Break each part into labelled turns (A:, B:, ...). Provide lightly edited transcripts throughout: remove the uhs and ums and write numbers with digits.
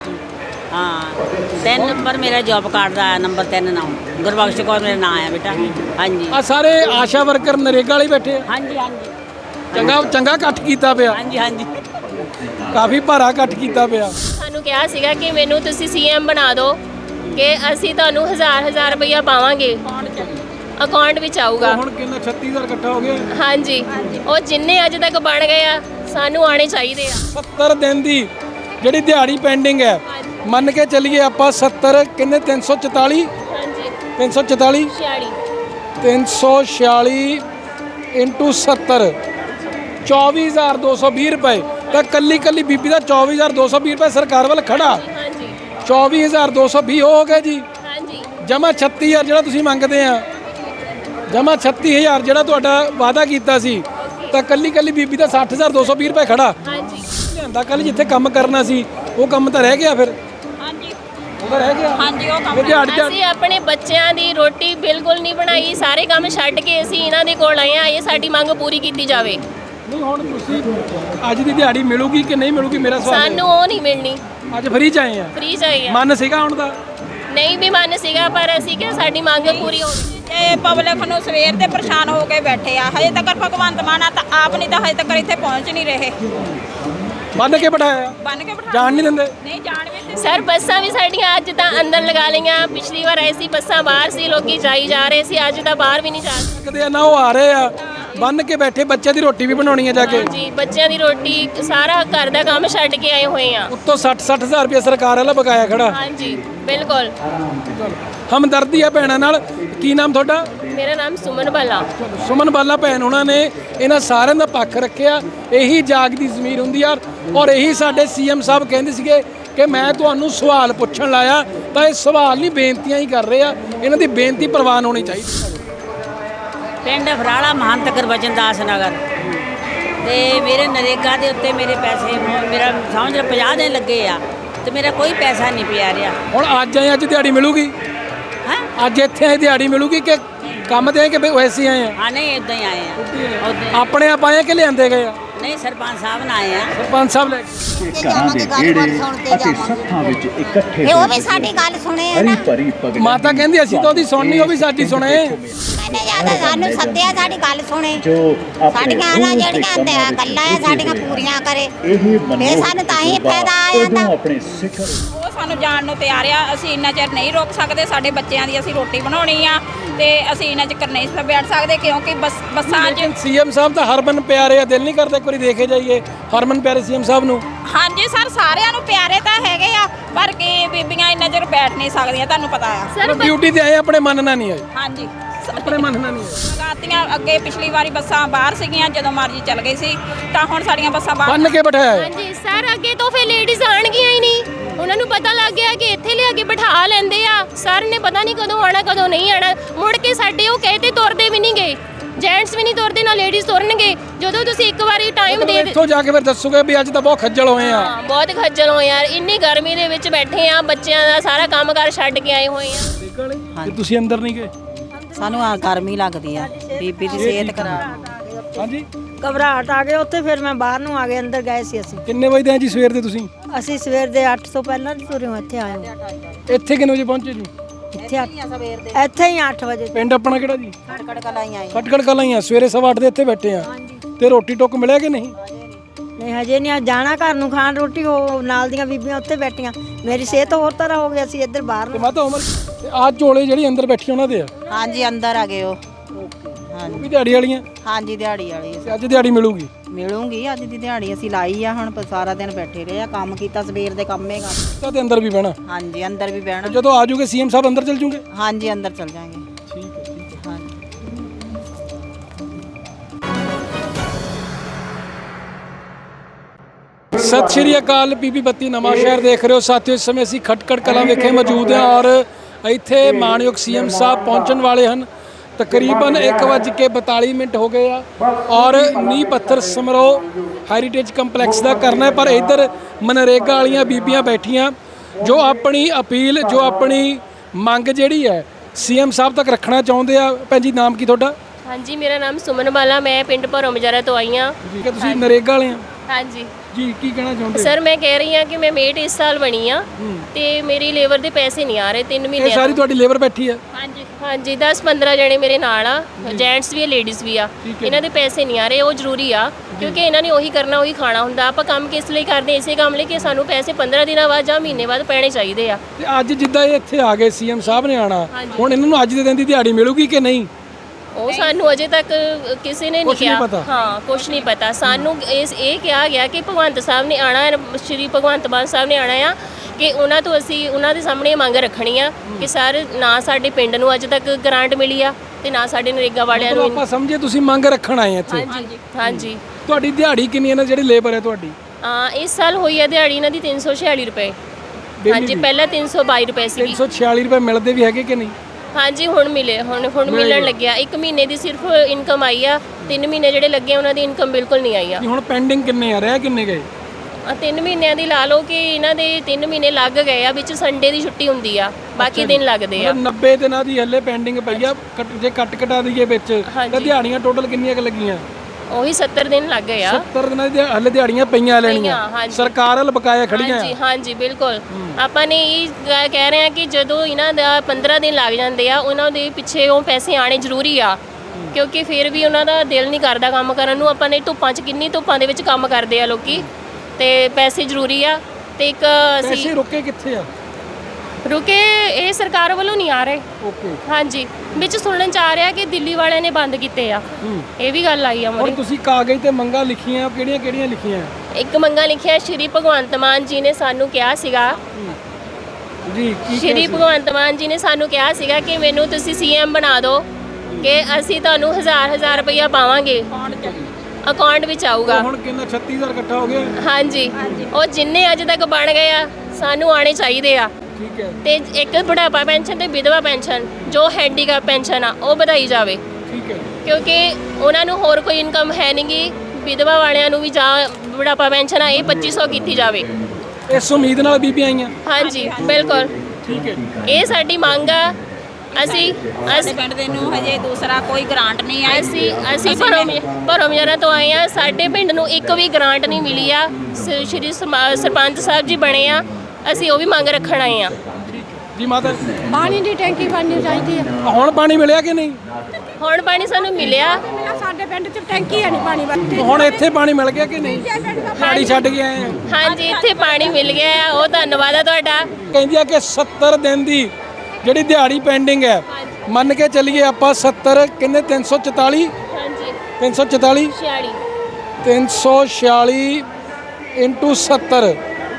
A: हाँ 3 नंबर मेरा job card का आया, नंबर 3 नाम गुरबख्श कौर मेरा नाम आया बेटा। हाँ जी
B: ਆ ਸਾਰੇ ਆਸ਼ਾ ਵਰਕਰ ਨਰੇਗਾ ਵਾਲੇ ਬੈਠੇ ਆ।
A: हाँ जी हाँ जी
B: ਚੰਗਾ ਚੰਗਾ ਇਕੱਠ ਕੀਤਾ ਪਿਆ,
A: हाँ जी हाँ जी।
B: ਕਾਫੀ ਭਾਰਾ ਇਕੱਠ ਕੀਤਾ ਪਿਆ।
C: ਸਾਨੂੰ ਕਿਹਾ ਸੀਗਾ ਕਿ ਮੈਨੂੰ ਤੁਸੀਂ ਸੀਐਮ ਬਣਾ ਦਿਓ ਕਿ ਅਸੀਂ ਤੁਹਾਨੂੰ 1000 ਰੁਪਇਆ ਪਾਵਾਂਗੇ, ਅਕਾਊਂਟ ਵਿੱਚ ਆਊਗਾ।
B: ਹੁਣ ਕਿੰਨਾ 36000 ਇਕੱਠਾ ਹੋ ਗਿਆ।
C: ਹਾਂਜੀ, ਉਹ ਜਿੰਨੇ ਅੱਜ ਤੱਕ ਬਣ ਗਏ ਆ ਸਾਨੂੰ ਆਣੇ ਚਾਹੀਦੇ ਆ।
B: 70 ਦਿਨ ਦੀ ਜਿਹੜੀ ਦਿਹਾੜੀ ਪੈਂਡਿੰਗ ਹੈ, ਮੰਨ ਕੇ ਚੱਲੀਏ ਆਪਾਂ 70 ਕਿੰਨੇ 344
C: ਹਾਂਜੀ
B: 344
C: 46
B: 346 × 70 24220 ਰੁਪਏ। ਤਾਂ ਕੱਲੀ ਬੀਬੀ ਦਾ 24220 ਰੁਪਏ ਸਰਕਾਰ ਵੱਲ ਖੜਾ।
C: ਹਾਂਜੀ
B: 24220 ਹੋ ਗਏ ਜੀ।
C: ਹਾਂਜੀ
B: ਜਮਾ 36000 ਜਿਹੜਾ ਤੁਸੀਂ ਮੰਗਦੇ ਆ, ਜਮਾ 36000 ਜਿਹੜਾ ਤੁਹਾਡਾ ਵਾਅਦਾ ਕੀਤਾ ਸੀ, ਤਾਂ ਕੱਲੀ ਬੀਬੀ ਦਾ 60220 ਰੁਪਏ ਖੜਾ।
C: ਹਾਂਜੀ
B: ਲਿਆਂਦਾ ਕੱਲ ਜਿੱਥੇ ਕੰਮ ਕਰਨਾ ਸੀ ਉਹ ਕੰਮ ਤਾਂ ਰਹਿ ਗਿਆ, ਫਿਰ
C: ਹਾਂਜੀ
B: ਉਹਦਾ ਰਹਿ ਗਿਆ।
C: ਹਾਂਜੀ ਉਹ
B: ਫਿਰ ਦਿਹਾੜੀ
C: ਅਸੀਂ ਆਪਣੇ ਬੱਚਿਆਂ ਦੀ ਰੋਟੀ ਬਿਲਕੁਲ ਨਹੀਂ ਬਣਾਈ, ਸਾਰੇ ਕੰਮ ਛੱਡ ਕੇ ਅਸੀਂ ਇਹਨਾਂ ਦੇ ਕੋਲ ਆਏ ਆ। ਇਹ ਸਾਡੀ ਮੰਗ ਪੂਰੀ ਕੀਤੀ ਜਾਵੇ।
B: ਨਹੀਂ ਹੁਣ ਤੁਸੀਂ ਅੱਜ ਦੀ ਦਿਹਾੜੀ ਮਿਲੂਗੀ ਕਿ ਨਹੀਂ ਮਿਲੂਗੀ, ਮੇਰਾ ਸਵਾਲ
C: ਸਾਨੂੰ ਉਹ ਨਹੀਂ ਮਿਲਣੀ,
B: ਅੱਜ ਫਰੀ ਚ ਆਏ ਆ।
C: ਫ੍ਰੀ ਚਾਹੀਏ।
B: ਮਨ ਸੀਗਾ ਹੁਣ ਦਾ
C: ਨਹੀਂ ਵੀ ਮਨ ਸੀਗਾ, ਪਰ ਅਸੀਂ ਕਿ ਸਾਡੀ ਮੰਗ ਪੂਰੀ ਹੋਵੇ।
D: ਇਹ ਪਬਲਿਕ ਨੂੰ ਸਵੇਰ ਦੇ ਪਰੇਸ਼ਾਨ ਹੋ ਕੇ ਬੈਠੇ ਆ। ਹਜੇ ਤੱਕ ਭਗਵੰਤ ਮਾਨ ਤਾਂ ਆਪ ਨਹੀਂ ਤਾਂ ਹਜੇ ਤੱਕ ਇੱਥੇ ਪਹੁੰਚ ਨਹੀਂ ਰਹੇ।
B: ਬੰਨ ਕੇ ਬਿਠਾਇਆ,
D: ਬੰਨ ਕੇ ਬਿਠਾ
B: ਜਾਣ ਨਹੀਂ ਦਿੰਦੇ।
D: ਨਹੀਂ ਜਾਣ ਵੀ ਦਿੰਦੇ।
C: ਸਰ ਬੱਸਾਂ ਵੀ ਸਾਡੀਆਂ ਅੱਜ ਤਾਂ ਅੰਦਰ ਲਗਾ ਲਈਆਂ, ਪਿਛਲੀ ਵਾਰ ਐਸੀ ਬੱਸਾਂ ਬਾਹਰ ਸੀ, ਲੋਕੀ ਜਾਈ ਜਾ ਰਹੇ ਸੀ, ਅੱਜ ਤਾਂ ਬਾਹਰ ਵੀ ਨਹੀਂ ਜਾ ਸਕਦੇ।
B: ਕਦੇ ਨਾ ਉਹ ਆ ਰਹੇ ਆ, ਬੰਨ ਕੇ ਬੈਠੇ, ਬੱਚਿਆਂ ਦੀ ਰੋਟੀ ਵੀ ਬਣਾਉਣੀ ਹੈ ਜਾ ਕੇ।
C: ਹਾਂਜੀ ਬੱਚਿਆਂ ਦੀ ਰੋਟੀ ਸਾਰਾ ਘਰ ਦਾ ਕੰਮ ਛੱਡ ਕੇ ਆਏ ਹੋਏ ਆ।
B: ਉੱਤੋਂ 60,000 ਰੁਪਏ ਸਰਕਾਰ ਵਾਲਾ ਬਕਾਇਆ ਖੜਾ।
C: ਹਾਂਜੀ ਬਿਲਕੁਲ।
B: ਹਮਦਰਦੀ ਆ ਭੈਣਾਂ ਨਾਲ। ਕੀ ਨਾਮ ਤੁਹਾਡਾ?
C: ਮੇਰਾ ਨਾਮ ਸੁਮਨ ਬਾਲਾ।
B: ਸੁਮਨ ਬਾਲਾ ਭੈਣ ਉਹਨਾਂ ਨੇ ਇਹਨਾਂ ਸਾਰਿਆਂ ਦਾ ਪੱਖ ਰੱਖਿਆ। ਇਹੀ ਜਾਗਦੀ ਜ਼ਮੀਰ ਹੁੰਦੀ ਆ। ਔਰ ਇਹੀ ਸਾਡੇ ਸੀਐਮ ਸਾਹਿਬ ਕਹਿੰਦੇ ਸੀਗੇ ਕਿ ਮੈਂ ਤੁਹਾਨੂੰ ਸਵਾਲ ਪੁੱਛਣ ਲਾਇਆ, ਤਾਂ ਇਹ ਸਵਾਲ ਨਹੀਂ ਬੇਨਤੀਆਂ ਹੀ ਕਰ ਰਹੇ ਆ। ਇਹਨਾਂ ਦੀ ਬੇਨਤੀ ਪ੍ਰਵਾਨ ਹੋਣੀ ਚਾਹੀਦੀ।
A: ਪਿੰਡ ਫਰਾਲਾ ਮਹੰਤ ਗੁਰਬਚਨ ਦਾਸ ਨਗਰ ਤੇ ਮੇਰੇ ਨਰੇਗਾ ਦੇ ਉੱਤੇ ਮੇਰੇ ਪੈਸੇ ਮੇਰਾ ਸਮਝ ਲਓ 50 ਦਿਨ ਲੱਗੇ ਆ ਤੇ ਮੇਰਾ ਕੋਈ ਪੈਸਾ ਨਹੀਂ ਪਿਆ ਰਿਹਾ।
B: ਹੁਣ ਅੱਜ ਆਏ, ਅੱਜ ਦਿਹਾੜੀ ਮਿਲੂਗੀ?
A: ਹਾਂ
B: ਅੱਜ ਇੱਥੇ ਆਏ ਦਿਹਾੜੀ ਮਿਲੂਗੀ ਕਿ ਕੰਮ ਤੇ ਆਏ ਕਿ ਵੈਸੇ ਆਏ ਆ?
A: ਹਾਂ ਨਹੀਂ ਇਦਾਂ ਹੀ ਆਏ ਆ ਉੱਦਾਂ
B: ਆਪਣੇ ਆਪ ਆਏ ਕਿ ਲਿਆਂਦੇ ਗਏ ਆ?
A: ਨਹੀਂ ਸਰਪੰਚ ਸਾਹਿਬ ਨਾਲ ਆਏ ਆ।
B: ਸਰਪੰਚ ਸਾਹਿਬ ਲੈ ਕੇ
E: ਘਰਾਂ ਦੇ ਵਿਹੜੇ ਅਤੇ ਸੱਥਾਂ ਵਿੱਚ ਇਕੱਠੇ
F: ਉਹ ਵੀ ਸਾਡੀ ਗੱਲ ਸੁਣੇ
E: ਹਰੀ ਭਰੀ ਪਗੜੀ।
B: ਮਾਤਾ ਕਹਿੰਦੀ ਅਸੀਂ ਤਾਂ ਉਹਦੀ ਸੁਣਨੀ, ਉਹ ਵੀ ਸਾਡੀ ਸੁਣੇ।
F: ਮੈਨੇ ਜਿਆਦਾ ਸਾਨੂੰ ਸੱਦਿਆ, ਸਾਡੀ ਗੱਲ ਸੁਣੇ,
E: ਜੋ
F: ਸਾਡੀਆਂ ਨਾ ਜਿਹੜੀਆਂ ਗੱਲਾਂ ਆ ਸਾਡੀਆਂ ਪੂਰੀਆਂ ਕਰੇ। ਇਹ ਸਾਨੂੰ ਤਾਂ ਹੀ ਫਾਇਦਾ ਆਇਆ ਤਾਂ
E: ਆਪਣੇ ਸਿਖਰ
D: ਉਹ ਸਾਨੂੰ ਜਾਣ ਨੂੰ ਤਿਆਰ ਆ। ਅਸੀਂ ਇੰਨਾ ਚਿਰ ਨਹੀਂ ਰੋਕ ਸਕਦੇ। ਸਾਡੇ ਬੱਚਿਆਂ ਦੀ ਅਸੀਂ ਰੋਟੀ ਬਣਾਉਣੀ ਆ ਤੇ ਅਸੀਂ ਇੰਨਾ ਚਿਰ ਨਹੀਂ ਬੈਠ ਸਕਦੇ, ਕਿਉਂਕਿ ਬੱਸਾਂ 'ਚ
B: ਸੀਐਮ ਸਾਹਿਬ ਤਾਂ ਹਰਮਨ ਪਿਆਰੇ ਆ। ਦਿਲ ਨਹੀਂ ਕਰਦਾ ਇੱਕ ਵਾਰੀ ਦੇਖੇ ਜਾਈਏ ਹਰਮਨ ਪਿਆਰੇ ਸੀਐਮ ਸਾਹਿਬ ਨੂੰ?
D: ਹਾਂਜੀ ਸਰ ਸਾਰਿਆਂ ਨੂੰ ਪਿਆਰੇ ਤਾਂ ਹੈਗੇ ਆ, ਪਰ ਕੀ ਬੀਬੀਆਂ ਇੰਨਾ ਚਿਰ ਬੈਠ ਨਹੀਂ ਸਕਦੀਆਂ, ਤੁਹਾਨੂੰ ਪਤਾ ਆ।
C: ਸਰ
B: ਡਿਊਟੀ ਤੇ ਆਏ, ਆਪਣੇ ਮਨ ਨਾਲ ਨਹੀਂ ਆਏ।
D: ਹਾਂਜੀ
B: ਆਪਣੇ ਮਨ ਨਾਲ ਨਹੀਂ ਆਏ।
D: ਲਗਾਤੀਆਂ ਅੱਗੇ ਪਿਛਲੀ ਵਾਰੀ ਬੱਸਾਂ ਬਾਹਰ ਸੀਗੀਆਂ, ਜਦੋਂ ਮਰਜ਼ੀ ਚੱਲ ਗਈ ਸੀ, ਤਾਂ ਹੁਣ ਸਾਡੀਆਂ ਬੱਸਾਂ ਬਾਹਰ।
B: ਬੰਨ ਕੇ ਬਿਠਾਇਆ ਹੈ।
C: ਹਾਂਜੀ ਸਰ ਅੱਗੇ ਤੋਂ ਫਿਰ ਲੇਡੀਜ਼ ਆਣਗੀਆਂ ਹੀ ਨਹੀਂ। ਉਹਨਾਂ ਨੂੰ ਪਤਾ ਲੱਗ ਗਿਆ ਕਿ ਇੱਥੇ ਲਿਆ ਕੇ ਬਿਠਾ ਲੈਂਦੇ ਆ। ਸਰ ਨੇ ਪਤਾ ਨਹੀਂ ਕਦੋਂ ਆਣਾ ਕਦੋਂ ਨਹੀਂ ਆਣਾ। ਮੁੜ ਕੇ ਸਾਡੇ ਉਹ ਕਹੇ ਤੇ ਤੁਰਦੇ ਵੀ ਨਹੀਂ ਗਏ, ਜੈਂਟਸ ਵੀ ਨਹੀਂ ਤੁਰਦੇ, ਨਾ ਲੇਡੀਜ਼ ਤੁਰਨਗੇ। ਜਦੋਂ ਤੁਸੀਂ ਇੱਕ ਵਾਰੀ ਟਾਈਮ ਦੇ
B: ਇੱਥੋਂ ਜਾ ਕੇ ਫਿਰ ਦੱਸੋਗੇ ਵੀ ਅੱਜ ਤਾਂ ਬਹੁਤ ਖੱਜਲ ਹੋਏ ਆ।
C: ਹਾਂ ਬਹੁਤ ਖੱਜਲ ਹੋਏ ਯਾਰ, ਇੰਨੀ ਗਰਮੀ ਦੇ ਵਿੱਚ ਬੈਠੇ ਆ, ਬੱਚਿਆਂ ਦਾ ਸਾਰਾ ਕੰਮਕਾਰ ਛੱਡ ਕੇ ਆਏ ਹੋਏ ਆ।
B: ਤੇ ਤੁਸੀਂ ਅੰਦਰ ਨਹੀਂ ਗਏ?
G: ਸਾਨੂੰ ਆ ਗਰਮੀ ਲੱਗਦੀ ਆ, ਬੀਬੀ ਦੀ ਸਿਹਤ ਖਰਾਬ।
B: ਹਾਂਜੀ
H: ਘਬਰਾਹਟ ਆ ਗਏ ਉੱਥੇ, ਫਿਰ ਮੈਂ ਬਾਹਰ ਨੂੰ ਆ ਗਏ, ਅੰਦਰ ਗਏ ਸੀ ਅਸੀਂ।
B: ਕਿੰਨੇ ਵਜੇ ਦੇ ਆ ਜੀ ਸਵੇਰ ਦੇ ਤੁਸੀਂ?
H: ਅਸੀਂ ਸਵੇਰ ਦੇ 8 ਤੋਂ ਪਹਿਲਾਂ ਦੀ ਤੁਰੇ ਹਾਂ, ਇੱਥੇ ਆਏ ਹਾਂ।
B: ਇੱਥੇ ਕਿੰਨੇ ਵਜੇ ਪਹੁੰਚੇ ਜੀ?
H: ਇੱਥੇ ਹੀ 8 ਵਜੇ।
B: ਪਿੰਡ ਆਪਣਾ ਕਿਹੜਾ ਜੀ?
G: ਖਟਕੜ ਕਲਾਈ ਆਈ।
B: ਖਟਕੜ ਕਲਾਂ ਹੀ ਆ। ਸਵੇਰੇ 8:15 ਦੇ ਇੱਥੇ ਬੈਠੇ ਆ ਤੇ ਰੋਟੀ ਟੁੱਕ ਮਿਲਿਆ ਕਿ ਨਹੀਂ?
H: ਨਹੀਂ ਹਜੇ ਨਹੀਂ, ਜਾਣਾ ਘਰ ਨੂੰ ਖਾਣ ਰੋਟੀ। ਉਹ ਨਾਲ ਦੀਆਂ ਬੀਬੀਆਂ ਉੱਥੇ ਬੈਠੀਆਂ। ਮੇਰੀ ਸਿਹਤ ਹੋਰ ਤਰ੍ਹਾਂ ਹੋ ਗਈ, ਅਸੀਂ ਇੱਧਰ ਬਾਹਰ
B: ਤੇ
H: ਨੂੰ।
B: ਮਾਤਾ ਉਮਰ ਆ ਝੋਲੇ ਜਿਹੜੀ ਅੰਦਰ ਬੈਠੀ ਉਹਨਾਂ ਦੇ ਆ?
G: ਹਾਂਜੀ ਅੰਦਰ ਆ ਗਏ ਉਹ।
B: ਉਹ ਵੀ ਦਿਹਾੜੀ ਵਾਲੀਆਂ?
G: ਹਾਂਜੀ ਦਿਹਾੜੀ ਵਾਲੀ
B: ਤੇ ਅੱਜ ਦਿਹਾੜੀ ਮਿਲੂਗੀ?
G: ਮਿਲੂਗੀ। ਅੱਜ ਦੀ ਦਿਹਾੜੀ ਅਸੀਂ ਲਾਈ ਆ। ਹੁਣ ਸਾਰਾ ਦਿਨ ਬੈਠੇ ਰਹੇ ਆ, ਕੰਮ ਕੀਤਾ ਸਵੇਰ ਦੇ ਕੰਮੇ ਕਰ।
B: ਤੇ ਅੰਦਰ ਵੀ ਬਹਿਣਾ?
G: ਹਾਂਜੀ ਅੰਦਰ ਵੀ ਬਹਿਣਾ।
B: ਜਦੋਂ ਆ ਜੂਗੇ ਸੀਐਮ ਸਾਹਿਬ ਅੰਦਰ ਚਲ ਜੂਗੇ?
G: ਹਾਂਜੀ ਅੰਦਰ ਚਲ ਜਾਾਂਗੇ।
B: ਠੀਕ ਹੈ ਠੀਕ ਹੈ।
G: ਹਾਂਜੀ
B: ਸਤਿ ਸ਼੍ਰੀ ਅਕਾਲ। ਪੀਪੀ ਬੱਤੀ ਨਵਾਂ ਸ਼ਹਿਰ ਦੇਖ ਰਹੇ ਹੋ ਸਾਥੀਓ। ਇਸ ਸਮੇਂ ਅਸੀਂ ਖਟਕੜ ਕਲਾਂ ਵਿਖੇ ਮੌਜੂਦ ਹਾਂ ਔਰ ਇੱਥੇ ਮਾਨਯੋਗ ਸੀਐਮ ਸਾਹਿਬ ਪਹੁੰਚਣ ਵਾਲੇ ਹਨ। ਤਕਰੀਬਨ 1:42 ਹੋ ਗਏ ਆ ਔਰ ਨੀਂਹ ਪੱਥਰ ਸਮਾਰੋਹ ਹੈਰੀਟੇਜ ਕੰਪਲੈਕਸ ਦਾ ਕਰਨਾ ਹੈ। ਪਰ ਇੱਧਰ ਮਨਰੇਗਾ ਵਾਲੀਆਂ ਬੀਬੀਆਂ ਬੈਠੀਆਂ ਜੋ ਆਪਣੀ ਅਪੀਲ, ਜੋ ਆਪਣੀ ਮੰਗ ਜਿਹੜੀ ਹੈ ਸੀਐਮ ਸਾਹਿਬ ਤੱਕ ਰੱਖਣਾ ਚਾਹੁੰਦੇ ਆ। ਭੈਣ ਜੀ ਨਾਮ ਕੀ ਤੁਹਾਡਾ?
C: ਹਾਂਜੀ ਮੇਰਾ ਨਾਮ ਸੁਮਨ ਬਾਲਾ, ਮੈਂ ਪਿੰਡ ਭਰੋ ਮਜਾਰਾ ਤੋਂ ਆਈ ਹਾਂ।
B: ਠੀਕ ਹੈ, ਤੁਸੀਂ ਨਰੇਗਾ ਵਾਲੇ ਆ?
C: ਹਾਂਜੀ
B: ਜੀ ਕੀ ਕਹਿਣਾ ਚਾਹੁੰਦੇ
C: ਸਰ ਮੈਂ ਕਹਿ ਰਹੀ ਹਾਂ ਕਿ ਮੈਂ ਮੇਟ ਇਸ ਸਾਲ ਬਣੀ ਆ ਤੇ ਮੇਰੀ ਲੇਬਰ ਦੇ ਪੈਸੇ ਨਹੀਂ ਆ ਰਹੇ 3
B: ਇਹ
C: ਮਹੀਨੇ
B: ਸਾਰੀ ਤੁਹਾਡੀ ਲੇਬਰ ਬੈਠੀ ਆ?
C: ਹਾਂਜੀ 10-15 ਜਣੇ ਮੇਰੇ ਨਾਲ ਆ, ਜੈਂਟਸ ਵੀ ਆ ਲੇਡੀਜ਼ ਵੀ ਆ। ਇਹਨਾਂ ਦੇ ਪੈਸੇ ਨਹੀਂ ਆ ਰਹੇ, ਉਹ ਜ਼ਰੂਰੀ ਆ ਕਿਉਂਕਿ ਇਹਨਾਂ ਨੇ ਉਹੀ ਕਰਨਾ ਉਹੀ ਖਾਣਾ ਹੁੰਦਾ। ਆਪਾਂ ਕੰਮ ਕਿਸ ਲਈ ਕਰਦੇ, ਇਸੇ ਕੰਮ ਲਈ ਕਿ ਸਾਨੂੰ ਪੈਸੇ 15 ਦਿਨਾਂ ਬਾਅਦ ਜਾਂ ਮਹੀਨੇ ਬਾਅਦ ਪੈਣੇ ਚਾਹੀਦੇ ਆ।
B: ਤੇ ਅੱਜ ਜਿੱਦਾਂ ਇਹ ਇੱਥੇ ਆ ਗਏ ਸੀਐਮ ਸਾਹਿਬ ਨੇ ਆਣਾ, ਹੁਣ ਇਹਨਾਂ ਨੂੰ ਅੱਜ ਦੇ ਦਿਨ ਦੀ ਦਿਹਾੜੀ ਮਿਲੂਗੀ ਕਿ ਨਹੀਂ?
C: ਉਹ ਸਾਨੂੰ ਅਜੇ ਤੱਕ ਕਿਸੇ ਨੇ ਨਹੀਂ ਕਿਹਾ। ਹਾਂ ਕੁਝ ਨਹੀਂ ਪਤਾ ਸਾਨੂੰ। ਇਹ ਕਿਹਾ ਗਿਆ ਕਿ ਭਗਵੰਤ ਸਾਹਿਬ ਨੇ ਆਣਾ, ਸ਼੍ਰੀ ਭਗਵੰਤ ਮਾਨ ਸਾਹਿਬ ਨੇ ਆਣਾ ਆ ਕਿ ਉਹਨਾਂ ਤੋਂ ਅਸੀਂ ਉਹਨਾਂ ਦੇ ਸਾਹਮਣੇ ਮੰਗ ਰੱਖਣੀ ਆ ਕਿ ਸਰ ਨਾ ਸਾਡੇ ਪਿੰਡ ਨੂੰ ਅੱਜ ਤੱਕ ਗ੍ਰਾਂਟ ਮਿਲੀ ਆ ਤੇ ਨਾ ਸਾਡੇ ਨਰੇਗਾ ਵਾਲਿਆਂ ਨੂੰ।
B: ਆਪਾਂ ਸਮਝੇ ਤੁਸੀਂ ਮੰਗ ਰੱਖਣ ਆਏ ਇੱਥੇ?
C: ਹਾਂਜੀ।
B: ਤੁਹਾਡੀ ਦਿਹਾੜੀ ਕਿੰਨੀ ਹੈ ਨਾ, ਜਿਹੜੀ ਲੇਬਰ ਹੈ ਤੁਹਾਡੀ?
C: ਇਸ ਸਾਲ ਹੋਈ ਹੈ ਦਿਹਾੜੀ ਇਹਨਾਂ ਦੀ 346 ਰੁਪਏ। ਹਾਂਜੀ ਪਹਿਲਾਂ 322 ਰੁਪਏ ਸੀ।
B: 346 ਰੁਪਏ ਮਿਲਦੇ ਵੀ ਹੈਗੇ ਕਿ ਨਹੀਂ?
C: ਹਾਂਜੀ ਹੁਣ ਮਿਲੇ, ਹੁਣ ਮਿਲਣ ਲੱਗਿਆ। 1 ਮਹੀਨੇ ਦੀ ਸਿਰਫ ਇਨਕਮ ਆਈ ਆ, 3 ਮਹੀਨੇ ਜਿਹੜੇ ਲੱਗੇ ਉਹਨਾਂ ਦੀ ਇਨਕਮ ਬਿਲਕੁਲ ਨਹੀਂ ਆਈ ਆ।
B: ਹੁਣ ਪੈਂਡਿੰਗ ਕਿੰਨੇ ਆ, ਰਹਿ ਕਿੰਨੇ ਗਏ?
C: 3 ਮਹੀਨਿਆਂ ਦੀ ਲਾ ਲਓ ਕਿ ਇਹਨਾਂ ਦੇ 3 ਮਹੀਨੇ ਲੱਗ ਗਏ ਆ, ਵਿੱਚ ਸੰਡੇ ਦੀ ਛੁੱਟੀ ਹੁੰਦੀ ਆ, ਬਾਕੀ ਦਿਨ ਲੱਗਦੇ ਆ।
B: 90 ਦਿਨਾਂ ਦੀ ਹੱਲੇ ਪੈਂਡਿੰਗ ਪਈ ਆ। ਜੇ ਕੱਟ ਕਟਾ ਦਈਏ ਵਿੱਚ ਤਾਂ ਦਿਹਾੜੀਆਂ ਟੋਟਲ ਕਿੰਨੀਆਂ ਕੁ ਲੱਗੀਆਂ?
C: ਉਹੀ 70 ਦਿਨ ਲੱਗ ਗਏ ਆ।
B: 70 ਦਿਨਾਂ ਦੀ ਹੱਲੇ ਦਿਹਾੜੀਆਂ ਪਈਆਂ ਲੈਣੀਆਂ, ਸਰਕਾਰ ਵੱਲ ਬਕਾਇਆ ਖੜੀਆਂ।
C: ਹਾਂਜੀ ਬਿਲਕੁਲ। ਆਪਾਂ ਨੇ ਇਹ ਕਹਿ ਰਹੇ ਆ ਕਿ ਜਦੋਂ ਇਹਨਾਂ ਦਾ 15 ਦਿਨ ਲੱਗ ਜਾਂਦੇ ਆ, ਉਹਨਾਂ ਦੇ ਪਿੱਛੇ ਉਹ ਪੈਸੇ ਆਣੇ ਜ਼ਰੂਰੀ ਆ ਕਿਉਂਕਿ ਫਿਰ ਵੀ ਉਹਨਾਂ ਦਾ ਦਿਲ ਨਹੀਂ ਕਰਦਾ ਕੰਮ ਕਰਨ ਨੂੰ। ਆਪਾਂ ਨੇ ਧੁੱਪਾਂ 'ਚ ਕਿੰਨੀ ਧੁੱਪਾਂ ਦੇ ਵਿੱਚ ਕੰਮ ਕਰਦੇ ਆ ਲੋਕੀ, ਤੇ ਪੈਸੇ ਜ਼ਰੂਰੀ ਆ। ਤੇ ਇੱਕ
B: ਪੈਸੇ ਰੁਕੇ ਕਿੱਥੇ ਆ?
C: ਰੁਕੇ ਇਹ ਸਰਕਾਰ ਵੱਲੋਂ ਨਹੀਂ ਆ ਰਹੇ।
B: ਓਕੇ।
C: ਹਾਂਜੀ ਵਿੱਚ ਸੁਣਨ ਚ ਆ ਰਿਹਾ ਕਿ ਦਿੱਲੀ ਵਾਲਿਆਂ ਨੇ ਬੰਦ ਕੀਤੇ ਆ, ਇਹ ਵੀ ਗੱਲ ਆਈ ਆ ਮੋਰੇ।
B: ਹੁਣ ਤੁਸੀਂ ਕਾਗਜ਼ ਤੇ ਮੰਗਾਂ ਲਿਖੀਆਂ, ਕਿਹੜੀਆਂ ਲਿਖੀਆਂ?
C: ਇੱਕ ਮੰਗਾਂ ਲਿਖਿਆ ਸ਼੍ਰੀ ਭਗਵੰਤ ਮਾਨ ਜੀ ਨੇ ਸਾਨੂੰ ਕਿਹਾ ਸੀਗਾ
B: ਜੀ,
C: ਸ਼੍ਰੀ ਭਗਵੰਤ ਮਾਨ ਜੀ ਨੇ ਸਾਨੂੰ ਕਿਹਾ ਸੀਗਾ ਕਿ ਮੈਨੂੰ ਤੁਸੀਂ ਸੀਐਮ ਬਣਾ ਦਿਓ ਕਿ ਅਸੀਂ ਤੁਹਾਨੂੰ 1000 ਰੁਪਇਆ ਪਾਵਾਂਗੇ, ਅਕਾਊਂਟ ਵਿੱਚ ਆਊਗਾ।
B: ਹੁਣ ਕਿੰਨਾ 36000 ਇਕੱਠਾ ਹੋ ਗਿਆ?
C: ਹਾਂਜੀ ਉਹ ਜਿੰਨੇ ਅੱਜ ਤੱਕ ਬਣ ਗਏ ਆ ਸਾਨੂੰ ਆਣੇ ਚਾਹੀਦੇ ਆ।
B: ਠੀਕ ਹੈ।
C: ਤੇ ਇੱਕ ਬੁਢਾਪਾ ਪੈਨਸ਼ਨ ਤੇ ਵਿਧਵਾ ਪੈਨਸ਼ਨ ਜੋ ਹੈਂਡੀਕੈਪ ਪੈਨਸ਼ਨ ਆ ਉਹ ਵਧਾਈ ਜਾਵੇ।
B: ਠੀਕ ਹੈ।
C: ਕਿਉਂਕਿ ਉਹਨਾਂ ਨੂੰ ਹੋਰ ਕੋਈ ਇਨਕਮ ਹੈ ਨਹੀਂਗੀ। ਵਿਧਵਾ ਵਾਲਿਆਂ ਨੂੰ ਵੀ ਜਾਂ ਬੁਢਾਪਾ ਪੈਨਸ਼ਨ ਆ ਇਹ 2500 ਕੀਤੀ ਜਾਵੇ।
B: ਇਸ ਉਮੀਦ ਨਾਲ ਬੀਬੀਆਂ ਆਈਆਂ?
C: ਹਾਂਜੀ ਬਿਲਕੁਲ।
B: ਠੀਕ ਹੈ।
C: ਇਹ ਸਾਡੀ ਮੰਗ ਆ। ਅਸੀਂ
D: ਪਿੰਡ ਦੇ ਨੂੰ ਹਜੇ ਦੂਸਰਾ ਕੋਈ ਗ੍ਰਾਂਟ ਨਹੀਂ ਆਈ।
C: ਅਸੀਂ ਭਰੋਮਿਆਰਾਂ ਤੋਂ ਆਏ ਆ। ਸਾਡੇ ਪਿੰਡ ਨੂੰ ਇੱਕ ਵੀ ਗ੍ਰਾਂਟ ਨਹੀਂ ਮਿਲੀ ਆ। ਸ਼੍ਰੀ ਸਰਪੰਚ ਸਾਹਿਬ ਜੀ ਬਣੇ ਆ, ਅਸੀਂ ਉਹ ਵੀ ਮੰਗ ਰੱਖਣ ਆਏ ਆ।
B: ਜੀ ਮਾਤਾ,
I: ਪਾਣੀ ਦੀ ਟੈਂਕੀ ਬਣਨੀ ਚਾਹੀਦੀ ਹੈ।
B: ਹੁਣ ਪਾਣੀ ਮਿਲਿਆ ਕਿ ਨਹੀਂ?
C: ਹੁਣ ਪਾਣੀ ਸਾਨੂੰ ਮਿਲਿਆ।
I: ਸਾਡੇ ਪਿੰਡ 'ਚ ਟੈਂਕੀ ਹੈ ਨਹੀਂ ਪਾਣੀ ਵਾਸਤੇ।
B: ਹੁਣ ਇੱਥੇ ਪਾਣੀ ਮਿਲ ਗਿਆ ਕਿ ਨਹੀਂ? ਪਾਣੀ ਛੱਡ ਕੇ ਆਏ ਆ।
C: ਹਾਂਜੀ ਇੱਥੇ ਪਾਣੀ ਮਿਲ ਗਿਆ ਆ, ਉਹ ਧੰਨਵਾਦ ਆ ਤੁਹਾਡਾ।
B: ਕਹਿੰਦੀ ਆ ਕਿ 70 ਦਿਨ ਦੀ ਜਿਹੜੀ ਦਿਹਾੜੀ ਪੈਂਡਿੰਗ ਹੈ, ਮੰਨ ਕੇ ਚੱਲੀਏ ਆਪਾਂ 70 ਕਿੰਨੇ 344?
C: ਹਾਂਜੀ
B: 344 346 × 70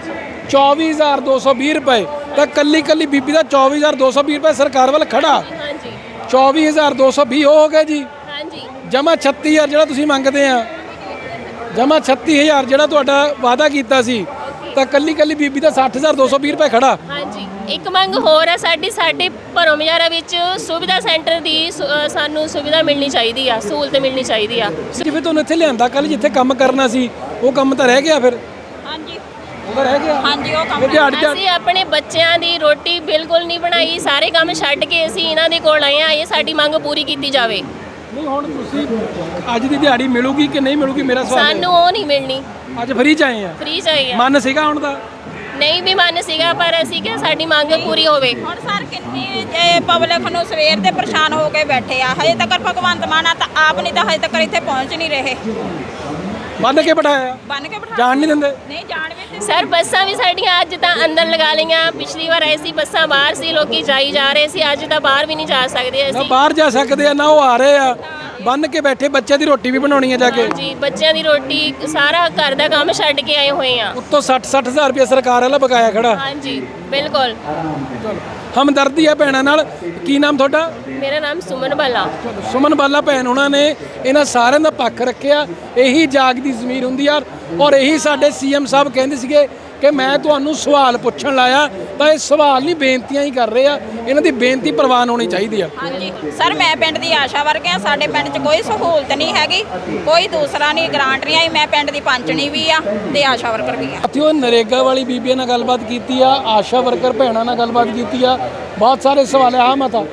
B: 24220 ਰੁਪਏ। ਤਾਂ ਕੱਲੀ ਬੀਬੀ ਦਾ 24220 ਰੁਪਏ ਸਰਕਾਰ ਵੱਲ ਖੜਾ।
C: ਹਾਂਜੀ
B: 24220 ਹੋ ਗਏ ਜੀ।
C: ਹਾਂਜੀ
B: ਜਮਾ 36000 ਜਿਹੜਾ ਤੁਸੀਂ ਮੰਗਦੇ ਆ, ਜਮਾ 36000 ਜਿਹੜਾ ਤੁਹਾਡਾ ਵਾਅਦਾ ਕੀਤਾ ਸੀ, ਤਾਂ ਕੱਲੀ ਬੀਬੀ ਦਾ 60220 ਰੁਪਏ ਖੜਾ।
C: ਹਾਂਜੀ ਇੱਕ ਮੰਗ ਹੋਰ ਹੈ ਸਾਡੀ। ਸਾਡੇ ਭਰੋਮਿਆਰਾ ਵਿੱਚ ਸੁਵਿਧਾ ਸੈਂਟਰ ਦੀ ਸਾਨੂੰ ਸੁਵਿਧਾ ਮਿਲਣੀ ਚਾਹੀਦੀ ਆ, ਸਹੂਲਤ ਮਿਲਣੀ ਚਾਹੀਦੀ ਆ।
B: ਜਿਵੇਂ ਤੁਹਾਨੂੰ ਇੱਥੇ ਲਿਆਂਦਾ ਕੱਲ, ਜਿੱਥੇ ਕੰਮ ਕਰਨਾ ਸੀ ਉਹ ਕੰਮ ਤਾਂ ਰਹਿ ਗਿਆ ਫਿਰ?
D: ਹਾਂਜੀ
B: ਉਹ ਰਹਿ ਗਿਆ।
D: ਹਾਂਜੀ ਉਹ ਕੰਮ
C: ਅਸੀਂ ਆਪਣੇ ਬੱਚਿਆਂ ਦੀ ਰੋਟੀ ਬਿਲਕੁਲ ਨਹੀਂ ਬਣਾਈ। ਸਾਰੇ ਕੰਮ ਛੱਡ ਕੇ ਅਸੀਂ ਇਹਨਾਂ ਦੇ ਕੋਲ ਆਏ ਆ। ਇਹ ਸਾਡੀ ਮੰਗ ਪੂਰੀ ਕੀਤੀ ਜਾਵੇ।
B: ਨਹੀਂ ਹੁਣ ਤੁਸੀਂ ਅੱਜ ਦੀ ਦਿਹਾੜੀ ਮਿਲੂਗੀ ਕਿ ਨਹੀਂ ਮਿਲੂਗੀ, ਮੇਰਾ ਸਵਾਲ ਹੈ।
C: ਸਾਨੂੰ ਉਹ ਨਹੀਂ ਮਿਲਣੀ।
B: ਅੱਜ ਫ੍ਰੀ ਚ ਆਏ ਆ?
C: ਫ੍ਰੀ ਚਾਹੀਏ।
B: ਮਨ ਸੀਗਾ ਹੁਣ ਦਾ?
C: ਨਹੀਂ ਵੀ ਮਨ ਸੀਗਾ, ਪਰ ਅਸੀਂ ਕਿ ਸਾਡੀ ਮੰਗ ਪੂਰੀ ਹੋਵੇ।
D: ਹੁਣ ਸਰ ਕਿੰਨੀ ਪਬਲਿਕ ਨੂੰ ਸਵੇਰ ਦੇ ਪਰੇਸ਼ਾਨ ਹੋ ਕੇ ਬੈਠੇ ਆ। ਹਜੇ ਤੱਕ ਭਗਵੰਤ ਮਾਨ ਆ ਤਾਂ ਆਪ ਨਹੀਂ ਤਾਂ ਹਜੇ ਤੱਕ ਇੱਥੇ ਪਹੁੰਚ ਨਹੀਂ ਰਹੇ।
B: ਬੰਨ ਕੇ ਬਿਠਾਇਆ?
D: ਬੰਨ ਕੇ ਬਿਠਾ
B: ਜਾਣ ਨਹੀਂ ਦਿੰਦੇ?
D: ਨਹੀਂ ਜਾਣ ਵੀ
C: ਸਰ ਬੱਸਾਂ ਵੀ ਸਾਡੀਆਂ ਅੱਜ ਤਾਂ ਅੰਦਰ ਲਗਾ ਲਈਆਂ। ਪਿਛਲੀ ਵਾਰ ਐਸੀ ਬੱਸਾਂ ਬਾਹਰ ਸੀ, ਲੋਕੀ ਜਾਈ ਜਾ ਰਹੇ ਸੀ। ਅੱਜ ਤਾਂ ਬਾਹਰ ਵੀ ਨਹੀਂ ਜਾ ਸਕਦੇ
B: ਨਾ
C: ਅਸੀਂ।
B: ਬਾਹਰ ਜਾ ਸਕਦੇ ਆ ਨਾ ਉਹ ਆ ਰਹੇ ਆ। ਬੰਨ ਕੇ ਬੈਠੇ, ਬੱਚਿਆਂ ਦੀ ਰੋਟੀ ਵੀ ਬਣਾਉਣੀ ਹੈ ਜਾ ਕੇ।
C: ਜੀ ਬੱਚਿਆਂ ਦੀ ਰੋਟੀ ਸਾਰਾ ਘਰ ਦਾ ਕੰਮ ਛੱਡ ਕੇ ਆਏ ਹੋਏ ਆ।
B: ਉੱਤੋਂ 60,000 ਰੁਪਏ ਸਰਕਾਰ ਵਾਲਾ ਬਕਾਇਆ ਖੜਾ।
C: ਹਾਂਜੀ ਬਿਲਕੁਲ।
B: ਹਮਦਰਦੀ ਆ ਭੈਣਾਂ ਨਾਲ। ਕੀ ਨਾਮ ਤੁਹਾਡਾ?
C: ਮੇਰਾ ਨਾਮ ਸੁਮਨ ਬਾਲਾ।
B: ਸੁਮਨ ਬਾਲਾ ਭੈਣ ਉਹਨਾਂ ਨੇ ਇਹਨਾਂ ਸਾਰਿਆਂ ਦਾ ਪੱਖ ਰੱਖਿਆ। ਇਹੀ ਜਾਗਦੀ ਜ਼ਮੀਰ ਹੁੰਦੀ ਆ। ਔਰ ਇਹੀ ਸਾਡੇ ਸੀਐਮ ਸਾਹਿਬ ਕਹਿੰਦੇ ਸੀਗੇ ਕਿ ਮੈਂ ਤੁਹਾਨੂੰ ਸਵਾਲ ਪੁੱਛਣ ਲਾਇਆ, ਤਾਂ ਇਹ ਸਵਾਲ ਨਹੀਂ ਬੇਨਤੀਆਂ ਹੀ ਕਰ ਰਹੇ ਆ। ਇਹਨਾਂ ਦੀ ਬੇਨਤੀ ਪ੍ਰਵਾਨ ਹੋਣੀ ਚਾਹੀਦੀ ਆ।
D: ਹਾਂਜੀ ਸਰ ਮੈਂ ਪਿੰਡ ਦੀ ਆਸ਼ਾ ਵਰਗ ਆ। ਸਾਡੇ ਪਿੰਡ 'ਚ ਕੋਈ ਸਹੂਲਤ ਨਹੀਂ ਹੈਗੀ, ਕੋਈ ਦੂਸਰਾ ਨਹੀਂ, ਗ੍ਰਾਂਟ ਨਹੀਂ ਆਈ। ਮੈਂ ਪਿੰਡ ਦੀ ਪੰਚਣੀ ਵੀ ਆ ਤੇ ਆਸ਼ਾ ਵਰਕਰ ਵੀ ਆ।
B: ਸਾਥੀਓ ਨਰੇਗਾ ਵਾਲੀ ਬੀਬੀਆਂ ਨਾਲ ਗੱਲਬਾਤ ਕੀਤੀ ਆ, ਆਸ਼ਾ ਵਰਕਰ ਭੈਣਾਂ ਨਾਲ ਗੱਲਬਾਤ ਕੀਤੀ ਆ। ਬਹੁਤ ਸਾਰੇ ਸਵਾਲ ਆ। ਮਾਤਾ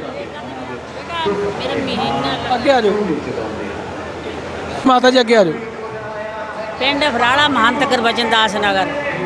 B: ਅੱਗੇ ਆ ਜਾਓ। ਮਾਤਾ ਜੀ ਅੱਗੇ ਆ ਜਾਓ।
A: ਪਿੰਡ ਫਰਾਲਾ ਮਹੰਤ ਗੁਰਬਚਨ ਦਾਸ ਨਗਰ।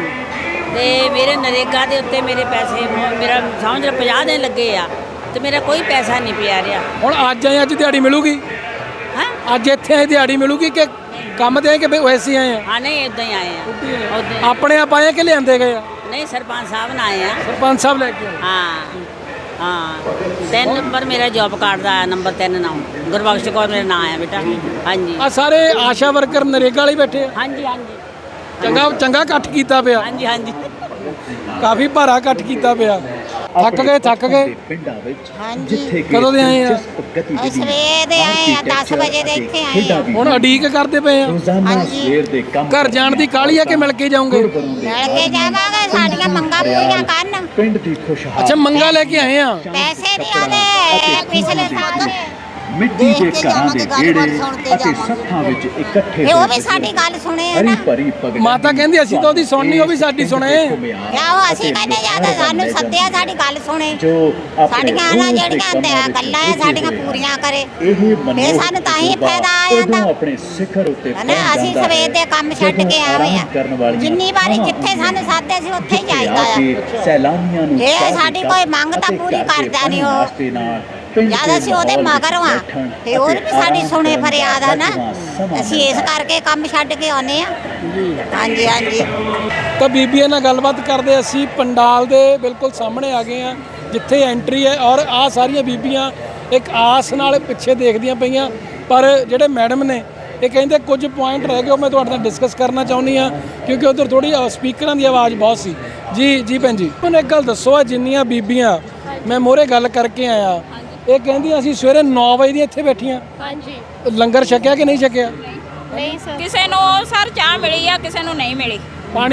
A: ਤੇ ਮੇਰੇ ਨਰੇਗਾ ਦੇ ਉੱਤੇ ਮੇਰੇ ਪੈਸੇ ਮੇਰਾ ਸਮਝ ਲਓ 50 ਦਿਨ ਲੱਗੇ ਆ ਤੇ ਮੇਰਾ ਕੋਈ ਪੈਸਾ ਨਹੀਂ ਪਿਆ ਰਿਹਾ।
B: ਹੁਣ ਅੱਜ ਆਏ, ਅੱਜ ਦਿਹਾੜੀ ਮਿਲੂਗੀ?
A: ਹਾਂ
B: ਅੱਜ ਇੱਥੇ ਆਏ ਦਿਹਾੜੀ ਮਿਲੂਗੀ ਕਿ ਕੰਮ ਤੇ ਆਏ ਕਿ ਵੈਸੇ ਆਏ ਆ?
A: ਹਾਂ ਨਹੀਂ ਇਦਾਂ ਹੀ ਆਏ ਆ ਉੱਦਾਂ
B: ਆਪਣੇ ਆਪ ਆਏ ਕਿ ਲਿਆਂਦੇ ਗਏ ਆ?
A: ਨਹੀਂ ਸਰਪੰਚ ਸਾਹਿਬ ਨਾਲ ਆਏ ਆ।
B: ਸਰਪੰਚ ਸਾਹਿਬ ਲੈ ਕੇ ਆਏ।
A: ਹਾਂ ਹਾਂ 3 ਨੰਬਰ ਮੇਰਾ ਜੌਬ ਕਾਰਡ ਦਾ ਆਇਆ, ਨੰਬਰ 3 ਨਾਮ ਗੁਰਬਖਸ਼ ਕੌਰ ਮੇਰਾ ਨਾਂ ਆਇਆ ਬੇਟਾ। ਹਾਂਜੀ
B: ਆ ਸਾਰੇ ਆਸ਼ਾ ਵਰਕਰ ਨਰੇਗਾ ਵਾਲੇ ਬੈਠੇ ਆ।
A: ਹਾਂਜੀ ਹਾਂਜੀ
B: ਚੰਗਾ ਇਕੱਠ ਕੀਤਾ ਪਿਆ,
A: ਹਾਂਜੀ ਹਾਂਜੀ
B: ਕਾਫੀ ਭਾਰਾ ਇਕੱਠ ਕੀਤਾ ਪਿਆ। ਥੱਕ ਗਏ
E: ਪਿੰਡਾਂ ਵਿੱਚ
F: ਹਾਂਜੀ
E: ਜਿੱਥੇ
B: ਕਦੋਂ ਦੇ ਆਏ ਆ?
F: ਸਵੇਰ ਦੇ ਆਏ ਆ 10 ਵਜੇ ਦੇ ਇੱਥੇ ਆਏ ਆ।
B: ਹੁਣ ਉਡੀਕ ਕਰਦੇ ਪਏ ਆ।
E: ਰੋਜ਼ਾਨਾ ਸਵੇਰ ਦੇ ਕੰਮ
B: ਘਰ ਜਾਣ ਦੀ ਕਾਹਲੀ ਆ ਕਿ ਮਿਲ ਕੇ ਜਾਓਗੇ?
F: ਮਿਲ ਕੇ ਜਾਵਾਂਗੇ, ਸਾਡੀਆਂ ਮੰਗਾਂ ਪੂਰੀਆਂ ਕਰਨ।
E: ਪਿੰਡ ਦੀ ਖੁਸ਼ਹਾਲੀ
B: ਅੱਛਾ ਮੰਗਾ ਲੈ ਕੇ ਆਏ ਆ।
F: ਪੈਸੇ ਨਹੀਂ ਆਲੇ ਪਿਛਲੇ ਸਾਲ ਦੇ
E: ਮਿੱਟੀ ਦੇ ਘਰਾਂ ਦੇ ਵਿਹੜੇ ਅਤੇ ਸੱਥਾਂ ਵਿੱਚ ਇਕੱਠੇ
F: ਇਹ ਉਹ ਵੀ ਸਾਡੀ ਗੱਲ ਸੁਣੇ ਆ ਨਾ।
E: ਭਰੀ ਪਗੜੀ
B: ਮਾਤਾ ਕਹਿੰਦੀ ਅਸੀਂ ਤਾਂ ਉਹਦੀ ਸੁਣਨੀ, ਉਹ ਵੀ ਸਾਡੀ ਸੁਣੇ।
F: ਕਿਆ ਉਹ ਅਸੀਂ ਕਹਿੰਦੇ ਜਾਂ ਤਾਂ ਸਾਨੂੰ ਸੱਦਿਆ, ਸਾਡੀ ਗੱਲ ਸੁਣੇ।
E: ਜੋ
F: ਸਾਡੀਆਂ ਨਾ ਜਿਹੜੀਆਂ ਗੱਲਾਂ ਆ ਸਾਡੀਆਂ ਪੂਰੀਆਂ ਕਰੇ। ਇਹ ਸਾਨੂੰ ਤਾਂ ਹੀ ਫਾਇਦਾ ਆ ਜਾਂਦਾ।
E: ਆਪਣੇ ਸਿਖਰ ਉੱਤੇ
F: ਹਨਾ ਅਸੀਂ ਸਵੇਰ ਦੇ ਕੰਮ ਛੱਡ ਕੇ ਆਏ ਆ। ਜਿੰਨੀ ਵਾਰੀ ਜਿੱਥੇ ਸਾਨੂੰ ਸਾਦੇ ਸੀ ਉੱਥੇ ਹੀ ਜਾਈਦਾ ਆ।
E: ਸੈਲਾਨੀਆਂ ਨੂੰ
F: ਇਹ ਸਾਡੀ ਕੋਈ ਮੰਗ ਤਾਂ ਪੂਰੀ ਕਰਦਾ ਨਹੀਂ ਉਹ। ਜਦ ਅਸੀਂ ਉਹਦੇ ਮਗਰ ਆ ਤੇ ਹੋਰ ਵੀ ਸਾਡੀ ਸੁਣੇ ਫਰਿਆਦ ਆ ਨਾ। ਅਸੀਂ ਇਸ ਕਰਕੇ ਕੰਮ ਛੱਡ ਕੇ ਆਉਨੇ ਆ। ਹਾਂਜੀ ਹਾਂਜੀ
B: ਤਾਂ ਬੀਬੀਆਂ ਨਾਲ ਗੱਲਬਾਤ ਕਰਦੇ ਅਸੀਂ ਪੰਡਾਲ ਦੇ ਬਿਲਕੁਲ ਸਾਹਮਣੇ ਆ ਗਏ ਆ ਜਿੱਥੇ ਐਂਟਰੀ ਹੈ। ਔਰ ਆ ਸਾਰੀਆਂ ਬੀਬੀਆਂ ਇੱਕ ਆਸ ਨਾਲ ਪਿੱਛੇ ਦੇਖਦੀਆਂ ਪਈਆਂ। ਪਰ ਜਿਹੜੇ ਮੈਡਮ ਨੇ ਇਹ ਕਹਿੰਦੇ ਕੁਝ ਪੁਆਇੰਟ ਰਹਿ ਗਏ, ਉਹ ਮੈਂ ਤੁਹਾਡੇ ਨਾਲ ਡਿਸਕਸ ਕਰਨਾ ਚਾਹੁੰਦੀ ਆ ਕਿਉਂਕਿ ਉਧਰ ਥੋੜੀ ਸਪੀਕਰਾਂ ਦੀ ਆਵਾਜ਼ ਬਹੁਤ ਸੀ। ਜੀ ਭੈਣ ਜੀ ਮੈਨੂੰ ਇੱਕ ਗੱਲ ਦੱਸੋ, ਆ ਜਿੰਨੀਆਂ ਬੀਬੀਆਂ ਮੈਂ ਮੋਹਰੇ ਗੱਲ ਕਰਕੇ ਆਇਆ ਇਹ ਕਹਿੰਦੀਆਂ ਅਸੀਂ ਸਵੇਰੇ 9 ਵਜੇ ਦੀਆਂ ਇੱਥੇ ਬੈਠੀਆਂ।
C: ਹਾਂਜੀ
B: ਲੰਗਰ ਛਕਿਆ ਕਿ ਨਹੀਂ ਛਕਿਆ?
C: ਨਹੀਂ ਸਰ,
D: ਕਿਸੇ ਨੂੰ ਸਰ ਚਾਹ ਮਿਲੀ ਆ, ਕਿਸੇ ਨੂੰ ਨਹੀਂ ਮਿਲੀ।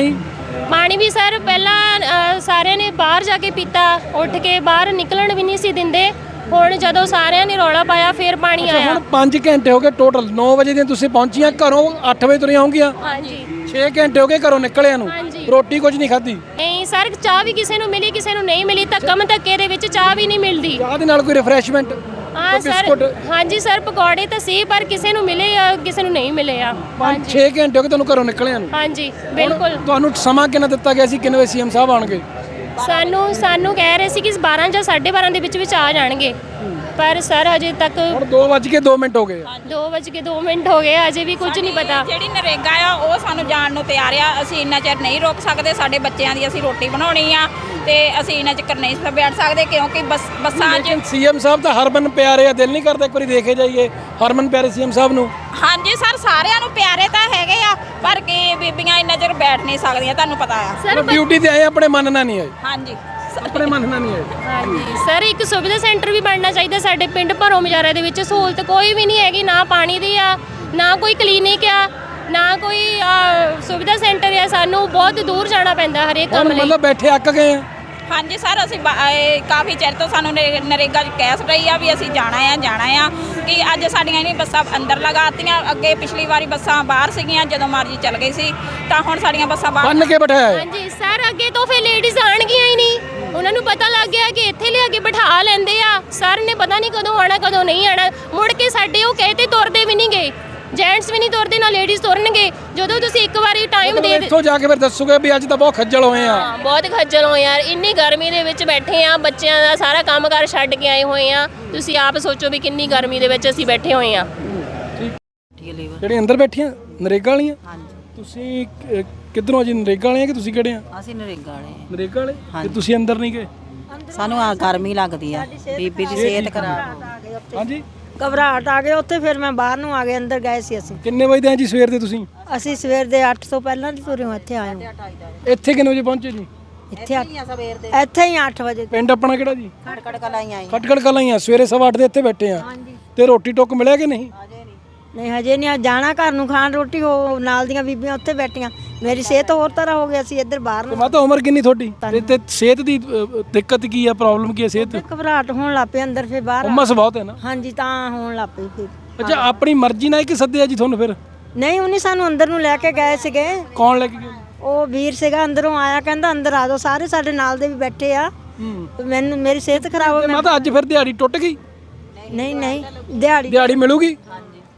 C: ਪਾਣੀ ਵੀ ਸਰ ਪਹਿਲਾਂ ਸਾਰਿਆਂ ਨੇ ਬਾਹਰ ਜਾ ਕੇ ਪੀਤਾ, ਉੱਠ ਕੇ ਬਾਹਰ ਨਿਕਲਣ ਵੀ ਨਹੀਂ ਸੀ ਦਿੰਦੇ। ਹੁਣ ਜਦੋਂ ਸਾਰਿਆਂ ਨੇ ਰੌਲਾ ਪਾਇਆ ਫਿਰ ਪਾਣੀ ਆਇਆ।
B: ਹੁਣ 5 ਘੰਟੇ ਹੋ ਗਏ ਟੋਟਲ। 9 ਵਜੇ ਦੀਆਂ ਤੁਸੀਂ ਪਹੁੰਚੀਆਂ, ਘਰੋਂ 8 ਵਜੇ ਤੁਰੀਆਂ ਹੋਣਗੀਆਂ।
C: ਹਾਂਜੀ
B: 6 ਘੰਟੇ ਹੋ ਗਏ ਘਰੋਂ ਨਿਕਲਿਆਂ ਨੂੰ,
C: ਹਾਂਜੀ।
B: ਰੋਟੀ ਕੁਝ ਨਹੀਂ ਖਾਧੀ।
C: ਨਹੀਂ ਸਰ, ਚਾਹ ਵੀ ਕਿਸੇ ਨੂੰ ਮਿਲੀ, ਕਿਸੇ ਨੂੰ ਨਹੀਂ ਮਿਲੀ। ਧੱਕਮ ਧੱਕੇ ਦੇ ਵਿੱਚ ਚਾਹ ਵੀ ਨਹੀਂ ਮਿਲਦੀ।
B: ਚਾਹ ਦੇ ਨਾਲ ਕੋਈ ਰਿਫਰੈਸ਼ਮੈਂਟ?
C: ਹਾਂ ਸਰ, ਹਾਂਜੀ ਸਰ ਪਕੌੜੇ ਤਾਂ ਸੀ ਪਰ ਕਿਸੇ ਨੂੰ ਮਿਲੇ ਆ ਕਿਸੇ ਨੂੰ ਨਹੀਂ ਮਿਲੇ ਆ।
B: 5-6 ਘੰਟੇ ਹੋ ਗਏ ਤੁਹਾਨੂੰ ਘਰੋਂ ਨਿਕਲਿਆਂ ਨੂੰ।
C: ਹਾਂਜੀ ਬਿਲਕੁਲ।
B: ਤੁਹਾਨੂੰ ਸਮਾਂ ਕਿੰਨਾ ਦਿੱਤਾ ਗਿਆ ਸੀ, ਕਿੰਨੇ ਵਜੇ ਸੀਐਮ ਸਾਹਿਬ ਆਉਣਗੇ?
C: ਸਾਨੂੰ ਕਹਿ ਰਹੇ ਸੀ ਕਿ 12 ਜਾਂ 12:30 ਦੇ ਵਿੱਚ ਆ ਜਾਣਗੇ, ਪਰ ਸਰ ਅਜੇ ਤੱਕ
B: ਹੁਣ 2:02 ਹੋ ਗਏ।
C: 2:02 ਹੋ ਗਏ, ਅਜੇ ਵੀ ਕੁਝ ਨਹੀਂ ਪਤਾ।
D: ਜਿਹੜੀ ਨਰੇਗਾ ਆ ਉਹ ਸਾਨੂੰ ਜਾਣ ਨੂੰ ਤਿਆਰ ਆ। ਅਸੀਂ ਇੰਨਾ ਚਿਰ ਨਹੀਂ ਰੋਕ ਸਕਦੇ, ਸਾਡੇ ਬੱਚਿਆਂ ਦੀ ਅਸੀਂ ਰੋਟੀ ਬਣਾਉਣੀ ਆ ਤੇ ਅਸੀਂ ਇੰਨਾ ਚਿਰ ਨਹੀਂ ਬੈਠ ਸਕਦੇ ਕਿਉਂਕਿ ਬੱਸਾਂ 'ਚ
B: ਸੀਐਮ ਸਾਹਿਬ ਤਾਂ ਹਰਮਨ ਪਿਆਰੇ ਆ, ਦਿਲ ਨਹੀਂ ਕਰਦਾ ਇੱਕ ਵਾਰੀ ਦੇਖੇ ਜਾਈਏ ਹਰਮਨ ਪਿਆਰੇ ਸੀਐਮ ਸਾਹਿਬ ਨੂੰ?
D: ਹਾਂਜੀ ਸਰ, ਸਾਰਿਆਂ ਨੂੰ ਪਿਆਰੇ ਤਾਂ ਹੈਗੇ ਆ ਪਰ ਕੀ ਬੀਬੀਆਂ ਇੰਨਾ ਚਿਰ ਬੈਠ ਨਹੀਂ ਸਕਦੀਆਂ, ਤੁਹਾਨੂੰ ਪਤਾ ਆ।
C: ਸਰ
B: ਡਿਊਟੀ ਤੇ ਆਏ, ਆਪਣੇ ਮਨ ਨਾਲ ਨਹੀਂ ਆਏ।
D: ਹਾਂਜੀ
B: ਆਪਣੇ ਮਨ ਨਾਲ ਨਹੀਂ ਆਏ।
C: ਹਾਂਜੀ ਸਰ, ਇੱਕ ਸੁਵਿਧਾ ਸੈਂਟਰ ਵੀ ਬਣਨਾ ਚਾਹੀਦਾ ਸਾਡੇ ਪਿੰਡ ਭਰੋ ਮਜਾਰੇ ਦੇ ਵਿੱਚ। ਸਹੂਲਤ ਕੋਈ ਵੀ ਨਹੀਂ ਹੈਗੀ, ਨਾ ਪਾਣੀ ਦੀ ਆ, ਨਾ ਕੋਈ ਕਲੀਨਿਕ ਆ, ਨਾ ਕੋਈ ਸੁਵਿਧਾ ਸੈਂਟਰ ਆ। ਸਾਨੂੰ ਬਹੁਤ ਦੂਰ ਜਾਣਾ ਪੈਂਦਾ ਹਰੇਕ ਕੰਮ ਲਈ।
B: ਮਤਲਬ ਬੈਠੇ ਅੱਕ ਗਏ ਆ।
D: ਹਾਂਜੀ ਸਰ, ਅਸੀਂ ਕਾਫੀ ਚਿਰ ਤੋਂ ਸਾਨੂੰ ਨਰੇਗਾ 'ਚ ਕਹਿ ਰਹੀ ਆ ਵੀ ਅਸੀਂ ਜਾਣਾ ਆ ਕਿ ਅੱਜ ਸਾਡੀਆਂ ਨਹੀਂ ਬੱਸਾਂ ਅੰਦਰ ਲਗਾਤੀਆਂ। ਅੱਗੇ ਪਿਛਲੀ ਵਾਰੀ ਬੱਸਾਂ ਬਾਹਰ ਸੀਗੀਆਂ, ਜਦੋਂ ਮਰਜ਼ੀ ਚੱਲ ਗਈ ਸੀ, ਤਾਂ ਹੁਣ ਸਾਡੀਆਂ ਬੱਸਾਂ ਬਾਹਰ
B: ਬੰਨ ਕੇ ਬਿਠਾਇਆ।
C: ਹਾਂਜੀ ਸਰ, ਅੱਗੇ ਤੋਂ ਫਿਰ ਲੇਡੀਜ਼ ਆਣਗੀਆਂ ਹੀ ਨਹੀਂ। ਉਹਨਾਂ ਨੂੰ ਪਤਾ ਲੱਗ ਗਿਆ ਕਿ ਇੱਥੇ ਲਿਆ ਕੇ ਬਿਠਾ ਲੈਂਦੇ ਆ। ਸਰ ਨੇ ਪਤਾ ਨਹੀਂ ਕਦੋਂ ਆਣਾ ਕਦੋਂ ਨਹੀਂ ਆਣਾ। ਮੁੜ ਕੇ ਸਾਡੇ ਉਹ ਕਹੇ ਤੇ ਤੁਰਦੇ ਵੀ ਨਹੀਂ ਗਏ। ਜੈਂਟਸ ਵੀ ਨਹੀਂ ਤੁਰਦੇ, ਨਾ ਲੇਡੀਜ਼ ਤੁਰਨਗੇ। ਜਦੋਂ ਤੁਸੀਂ ਇੱਕ ਵਾਰੀ ਟਾਈਮ ਦੇ
B: ਇੱਥੋਂ ਜਾ ਕੇ ਫਿਰ ਦੱਸੋਗੇ ਵੀ ਅੱਜ ਤਾਂ ਬਹੁਤ ਖੱਜਲ ਹੋਏ ਆ।
C: ਹਾਂ, ਬਹੁਤ ਖੱਜਲ ਹੋਏ ਯਾਰ। ਇੰਨੀ ਗਰਮੀ ਦੇ ਵਿੱਚ ਬੈਠੇ ਆ, ਬੱਚਿਆਂ ਦਾ ਸਾਰਾ ਕੰਮਕਾਰ ਛੱਡ ਕੇ ਆਏ ਹੋਏ ਆ। ਤੁਸੀਂ ਆਪ ਸੋਚੋ ਵੀ ਕਿੰਨੀ ਗਰਮੀ ਦੇ ਵਿੱਚ ਅਸੀਂ ਬੈਠੇ ਹੋਏ ਆ।
B: ਜਿਹੜੇ ਅੰਦਰ ਬੈਠੀਆਂ ਨਰੇਗਾ ਵਾਲੀਆਂ? ਤੁਸੀਂ ਕਿੱਧਰੋਂ ਜੀ? ਨਰੇਗਾ ਵਾਲੀਆਂ ਕਿ ਤੁਸੀਂ ਕਿਹੜੇ ਆ?
G: ਅਸੀਂ ਨਰੇਗਾ ਵਾਲੇ
B: ਨਰੇਗਾ ਵਾਲੇ? ਤੇ ਤੁਸੀਂ ਅੰਦਰ ਨਹੀਂ ਗਏ?
G: ਸਾਨੂੰ ਆ ਗਰਮੀ ਲੱਗਦੀ ਆ, ਬੀਬੀ ਦੀ ਸਿਹਤ ਖਰਾਬ।
B: ਹਾਂਜੀ
H: ਘਬਰਾਹਟ ਆ ਗਏ ਉੱਥੇ, ਫਿਰ ਮੈਂ ਬਾਹਰ ਨੂੰ ਆ ਗਏ। ਅੰਦਰ ਗਏ ਸੀ ਅਸੀਂ।
B: ਕਿੰਨੇ ਵਜੇ ਦੇ ਆ ਜੀ ਸਵੇਰ ਦੇ ਤੁਸੀਂ?
H: ਅਸੀਂ ਸਵੇਰ ਦੇ 8 ਤੋਂ ਪਹਿਲਾਂ ਦੀ ਤੁਰੇ ਹਾਂ, ਇੱਥੇ ਆਏ ਹਾਂ।
B: ਇੱਥੇ ਕਿੰਨੇ ਵਜੇ ਪਹੁੰਚੇ ਜੀ?
H: ਇੱਥੇ ਹੀ 8 ਵਜੇ।
B: ਪਿੰਡ ਆਪਣਾ ਕਿਹੜਾ ਜੀ?
G: ਖਟਖਟ ਕਲਾਈ ਆਈ।
B: ਖਟਕੜ ਕਲਾਂ ਹੀ ਆ। ਸਵੇਰੇ 8:15 ਦੇ ਇੱਥੇ ਬੈਠੇ ਆ ਤੇ ਰੋਟੀ ਟੁੱਕ ਮਿਲਿਆ ਕਿ ਨਹੀਂ?
H: ਨਹੀਂ ਹਜੇ ਨਹੀਂ, ਜਾਣਾ ਘਰ ਨੂੰ ਖਾਣ ਰੋਟੀ। ਹੋ ਨਾਲ ਦੀਆਂ ਬੀਬੀਆਂ ਉੱਥੇ ਬੈਠੀਆਂ। ਮੇਰੀ ਸਿਹਤ ਹੋਰ ਤਰ੍ਹਾਂ ਹੋ ਗਈ, ਅਸੀਂ ਇੱਧਰ ਬਾਹਰ
B: ਤੇ
H: ਨੂੰ।
B: ਮਾਤਾ ਉਮਰ ਕਿੰਨੀ ਤੁਹਾਡੀ? ਤੇ ਸਿਹਤ ਦੀ ਦਿੱਕਤ ਕੀ ਆ, ਪ੍ਰੋਬਲਮ ਕੀ ਆ ਸਿਹਤ?
H: ਘਬਰਾਹਟ ਹੋਣ ਲੱਗ ਪਈ ਅੰਦਰ, ਫਿਰ ਬਾਹਰ
B: ਉਮਸ ਬਹੁਤ ਹੈ ਨਾ।
H: ਹਾਂਜੀ ਤਾਂ ਹੋਣ ਲੱਗ ਪਈ ਫਿਰ।
B: ਅੱਛਾ, ਆਪਣੀ ਮਰਜ਼ੀ ਨਾਲ ਕਿ ਸੱਦਿਆ ਜੀ ਤੁਹਾਨੂੰ ਫਿਰ?
H: ਨਹੀਂ, ਉਹਨੇ ਸਾਨੂੰ ਅੰਦਰ ਨੂੰ ਲੈ ਕੇ ਗਏ ਸੀਗੇ।
B: ਕੌਣ ਲੈ ਕੇ ਗਿਆ?
H: ਉਹ ਵੀਰ ਸੀਗਾ, ਅੰਦਰੋਂ ਆਇਆ, ਕਹਿੰਦਾ ਅੰਦਰ ਆ ਜਾਓ। ਸਾਰੇ ਸਾਡੇ ਨਾਲ ਦੇ ਵੀ ਬੈਠੇ ਆ। ਮੈਨੂੰ ਮੇਰੀ ਸਿਹਤ ਖਰਾਬ ਹੋ ਗਈ।
B: ਮਾਤਾ ਅੱਜ ਫਿਰ ਦਿਹਾੜੀ ਟੁੱਟ ਗਈ?
H: ਨਹੀਂ ਦਿਹਾੜੀ
B: ਦਿਹਾੜੀ ਮਿਲੂਗੀ?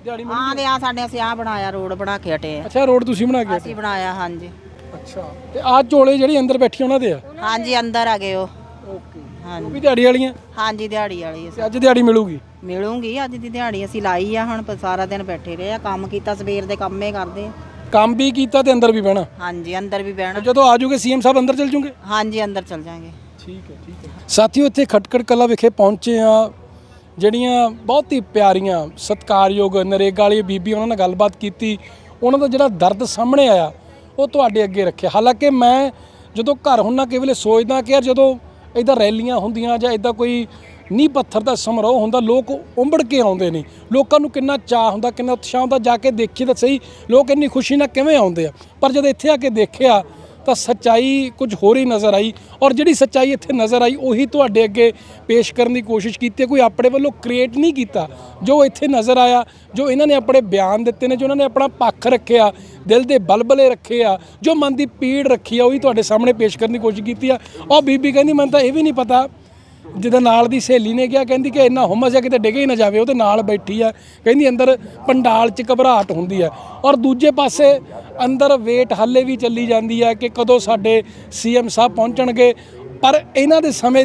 B: ਦਿਹਾੜੀ
G: ਹਾਂ ਤੇ ਆ ਸਾਡੇ ਅਸੀਂ ਆ ਬਣਾਇਆ ਰੋਡ ਬਣਾ ਕੇ ਹਟੇ ਆ।
B: ਅੱਛਾ ਰੋਡ ਤੁਸੀਂ ਬਣਾ ਕੇ
G: ਅਸੀਂ ਬਣਾਇਆ ਹਾਂਜੀ।
B: ਅੱਛਾ ਤੇ ਆਹ ਝੋਲੇ ਜਿਹੜੀ ਅੰਦਰ ਬੈਠੀ ਉਹਨਾਂ ਦੇ ਆ?
G: ਹਾਂਜੀ ਅੰਦਰ ਆ ਗਏ ਉਹ।
B: ਓਕੇ ਉਹ
G: ਹਾਂਜੀ
B: ਵੀ ਦਿਹਾੜੀ ਵਾਲੀਆਂ?
G: ਹਾਂਜੀ ਦਿਹਾੜੀ ਵਾਲੀ
B: ਤੇ ਅੱਜ ਦਿਹਾੜੀ ਮਿਲੂਗੀ?
G: ਮਿਲੂਗੀ ਅੱਜ ਦੀ ਦਿਹਾੜੀ ਅਸੀਂ ਲਾਈ ਆ। ਹੁਣ ਸਾਰਾ ਦਿਨ ਬੈਠੇ ਰਹੇ ਆ, ਕੰਮ ਕੀਤਾ ਸਵੇਰ ਦੇ ਕੰਮੇ ਕਰਦੇ ਆ।
B: ਕੰਮ ਵੀ ਕੀਤਾ ਤੇ ਅੰਦਰ ਵੀ ਬਹਿਣਾ?
G: ਹਾਂਜੀ ਅੰਦਰ ਵੀ ਬਹਿਣਾ।
B: ਜਦੋਂ ਆ ਜਾਓਗੇ ਸੀਐਮ ਸਾਹਿਬ ਅੰਦਰ ਚਲ ਜੂਗੇ?
G: ਹਾਂਜੀ ਅੰਦਰ ਚਲ ਜਾਾਂਗੇ।
B: ਠੀਕ ਹੈ ਸਾਥੀਓ, ਇੱਥੇ ਖਟਕੜ ਕਲਾਂ ਵਿਖੇ ਪਹੁੰਚੇ ਆ। ਜਿਹੜੀਆਂ ਬਹੁਤ ਹੀ ਪਿਆਰੀਆਂ ਸਤਿਕਾਰਯੋਗ ਨਰੇਗਾ ਵਾਲੀ ਬੀਬੀ, ਉਹਨਾਂ ਨਾਲ ਗੱਲਬਾਤ ਕੀਤੀ। ਉਹਨਾਂ ਦਾ ਜਿਹੜਾ ਦਰਦ ਸਾਹਮਣੇ ਆਇਆ ਉਹ ਤੁਹਾਡੇ ਅੱਗੇ ਰੱਖਿਆ। ਹਾਲਾਂਕਿ ਮੈਂ ਜਦੋਂ ਘਰ ਹੁੰਨਾ ਕਈ ਵੇਲੇ ਸੋਚਦਾ ਕਿ ਯਾਰ ਜਦੋਂ ਇੱਦਾਂ ਰੈਲੀਆਂ ਹੁੰਦੀਆਂ ਜਾਂ ਇੱਦਾਂ ਕੋਈ ਨੀਂਹ ਪੱਥਰ ਦਾ ਸਮਾਰੋਹ ਹੁੰਦਾ, ਲੋਕ ਉੰਬੜ ਕੇ ਆਉਂਦੇ ਨੇ, ਲੋਕਾਂ ਨੂੰ ਕਿੰਨਾ ਚਾਅ ਹੁੰਦਾ, ਕਿੰਨਾ ਉਤਸ਼ਾਹ ਹੁੰਦਾ। ਜਾ ਕੇ ਦੇਖੀਏ ਤਾਂ ਸਹੀ ਲੋਕ ਇੰਨੀ ਖੁਸ਼ੀ ਨਾਲ ਕਿਵੇਂ ਆਉਂਦੇ ਆ। ਪਰ ਜਦੋਂ ਇੱਥੇ ਆ ਕੇ ਦੇਖਿਆ ਤਾਂ ਸੱਚਾਈ ਕੁਝ ਹੋਰ ਹੀ ਨਜ਼ਰ ਆਈ, ਔਰ ਜਿਹੜੀ ਸੱਚਾਈ ਇੱਥੇ ਨਜ਼ਰ ਆਈ ਉਹੀ ਤੁਹਾਡੇ ਅੱਗੇ ਪੇਸ਼ ਕਰਨ ਦੀ ਕੋਸ਼ਿਸ਼ ਕੀਤੀ ਹੈ। ਕੋਈ ਆਪਣੇ ਵੱਲੋਂ ਕ੍ਰੀਏਟ ਨਹੀਂ ਕੀਤਾ। ਜੋ ਇੱਥੇ ਨਜ਼ਰ ਆਇਆ, ਜੋ ਇਹਨਾਂ ਨੇ ਆਪਣੇ ਬਿਆਨ ਦਿੱਤੇ ਨੇ, ਜੋ ਇਹਨਾਂ ਨੇ ਆਪਣਾ ਪੱਖ ਰੱਖਿਆ, ਦਿਲ ਦੇ ਬਲਬਲੇ ਰੱਖੇ ਆ, ਜੋ ਮਨ ਦੀ ਪੀੜ ਰੱਖੀ ਆ, ਉਹੀ ਤੁਹਾਡੇ ਸਾਹਮਣੇ ਪੇਸ਼ ਕਰਨ ਦੀ ਕੋਸ਼ਿਸ਼ ਕੀਤੀ ਆ। ਉਹ ਬੀਬੀ ਕਹਿੰਦੀ ਮੈਨੂੰ ਤਾਂ ਇਹ ਵੀ ਨਹੀਂ ਪਤਾ, ਜਿਹਦੇ ਨਾਲ ਦੀ ਸਹੇਲੀ ਨੇ ਕਿਹਾ, ਕਹਿੰਦੀ ਕਿ ਇੰਨਾ ਹੁਮਸ ਹੈ ਕਿਤੇ ਡਿੱਗ ਹੀ ਨਾ ਜਾਵੇ, ਉਹਦੇ ਨਾਲ ਬੈਠੀ ਆ। ਕਹਿੰਦੀ ਅੰਦਰ ਪੰਡਾਲ 'ਚ ਘਬਰਾਹਟ ਹੁੰਦੀ ਹੈ, ਔਰ ਦੂਜੇ ਪਾਸੇ ਅੰਦਰ ਵੇਟ ਹਾਲੇ ਵੀ ਚੱਲੀ ਜਾਂਦੀ ਹੈ ਕਿ ਕਦੋਂ ਸਾਡੇ ਸੀਐਮ ਸਾਹਿਬ ਪਹੁੰਚਣਗੇ। ਪਰ ਇਹਨਾਂ ਦੇ ਸਮੇਂ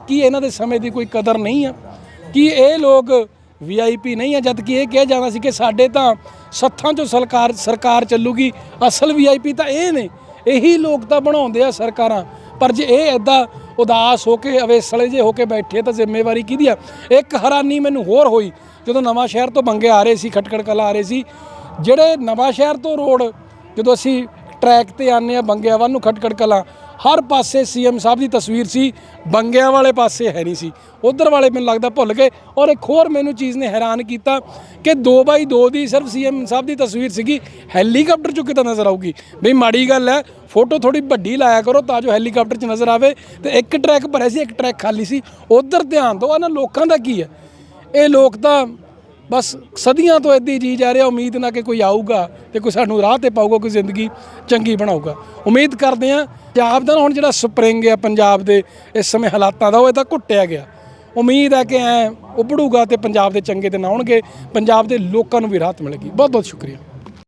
B: ਦੀ ਕੋਈ ਕਦਰ ਨਹੀਂ ਆ? ਕਿ ਇਹ ਲੋਕ VIP ਨਹੀਂ ਆ? ਜਦ ਕਿ ਇਹ ਕਿਹਾ ਜਾਂਦਾ ਸੀ ਕਿ ਸਾਡੇ ਤਾਂ ਸੱਥਾਂ 'ਚੋਂ ਸਰਕਾਰ ਚੱਲੂਗੀ, ਅਸਲ VIP ਤਾਂ ਇਹ ਨੇ, ਇਹੀ ਲੋਕ ਤਾਂ ਬਣਾਉਂਦੇ ਆ ਸਰਕਾਰਾਂ। ਪਰ ਜੇ ਇਹ ਇੱਦਾਂ ਉਦਾਸ ਹੋ ਕੇ ਅਵੇਸਲੇ ਜੇ ਹੋ ਕੇ ਬੈਠੇ ਤਾਂ ਜ਼ਿੰਮੇਵਾਰੀ ਕਿਹਦੀ ਆ? ਇੱਕ ਹੈਰਾਨੀ ਮੈਨੂੰ ਹੋਰ ਹੋਈ ਜਦੋਂ ਨਵਾਂ ਸ਼ਹਿਰ ਤੋਂ ਬੰਗੇ ਆ ਰਹੇ ਸੀ, ਖਟਕੜ ਕਲਾਂ ਆ ਰਹੇ ਸੀ, ਜਿਹੜੇ ਨਵਾਂ ਸ਼ਹਿਰ ਤੋਂ ਰੋਡ ਜਦੋਂ ਅਸੀਂ ਟਰੈਕ ਤੇ ਆਨੇ ਆ ਬੰਗਿਆਂ ਵੱਲ ਨੂੰ ਖਟਕੜ ਕਲਾਂ, ਹਰ ਪਾਸੇ ਸੀਐਮ ਸਾਹਿਬ ਦੀ ਤਸਵੀਰ ਸੀ, ਬੰਗਿਆਂ ਵਾਲੇ ਪਾਸੇ ਹੈ ਨਹੀਂ ਸੀ। ਉਧਰ ਵਾਲੇ ਮੈਨੂੰ ਲੱਗਦਾ ਭੁੱਲ ਗਏ। ਔਰ ਇੱਕ ਹੋਰ ਮੈਨੂੰ ਚੀਜ਼ ਨੇ ਹੈਰਾਨ ਕੀਤਾ ਕਿ 2x2 ਦੀ ਸਿਰਫ ਸੀਐਮ ਸਾਹਿਬ ਦੀ ਤਸਵੀਰ ਸੀਗੀ। ਹੈਲੀਕਾਪਟਰ 'ਚੋਂ ਕਿਤੇ ਨਜ਼ਰ ਆਊਗੀ? ਬਈ ਮਾੜੀ ਗੱਲ ਹੈ, ਫੋਟੋ ਥੋੜੀ ਵੱਡੀ ਲਾਇਆ ਕਰੋ ਤਾਂ ਜੋ ਹੈਲੀਕਾਪਟਰ 'ਚ ਨਜ਼ਰ ਆਵੇ। ਤੇ ਇੱਕ ਟਰੈਕ ਭਰਿਆ ਸੀ, ਇੱਕ ਟਰੈਕ ਖਾਲੀ ਸੀ, ਉਧਰ ਧਿਆਨ ਦਿਓ। ਇਹਨਾਂ ਲੋਕਾਂ ਦਾ ਕੀ ਹੈ? ਇਹ ਲੋਕ ਤਾਂ ਬਸ ਸਦੀਆਂ ਤੋਂ ਇੱਦਾਂ ਹੀ ਜੀ ਜਾ ਰਿਹਾ, ਉਮੀਦ ਨਾ ਕਿ ਕੋਈ ਆਊਗਾ ਤੇ ਕੋਈ ਸਾਨੂੰ ਰਾਹ ਤੇ ਪਾਊਗਾ, ਕੋਈ ਜ਼ਿੰਦਗੀ ਚੰਗੀ ਬਣਾਊਗਾ। ਉਮੀਦ ਕਰਦੇ ਹਾਂ ਪੰਜਾਬ ਦਾ ਹੁਣ ਜਿਹੜਾ ਸਪਰਿੰਗ ਆ ਪੰਜਾਬ ਦੇ ਇਸ ਸਮੇਂ ਹਾਲਾਤਾਂ ਦਾ, ਉਹ ਇਹ ਤਾਂ ਘੁੱਟਿਆ ਗਿਆ। ਉਮੀਦ ਹੈ ਕਿ ਐ ਉੱਭੜੂਗਾ ਤੇ ਪੰਜਾਬ ਦੇ ਚੰਗੇ ਦਿਨ ਆਉਣਗੇ, ਪੰਜਾਬ ਦੇ ਲੋਕਾਂ ਨੂੰ ਵੀ ਰਾਹਤ ਮਿਲੇਗੀ। ਬਹੁਤ ਬਹੁਤ ਸ਼ੁਕਰੀਆ।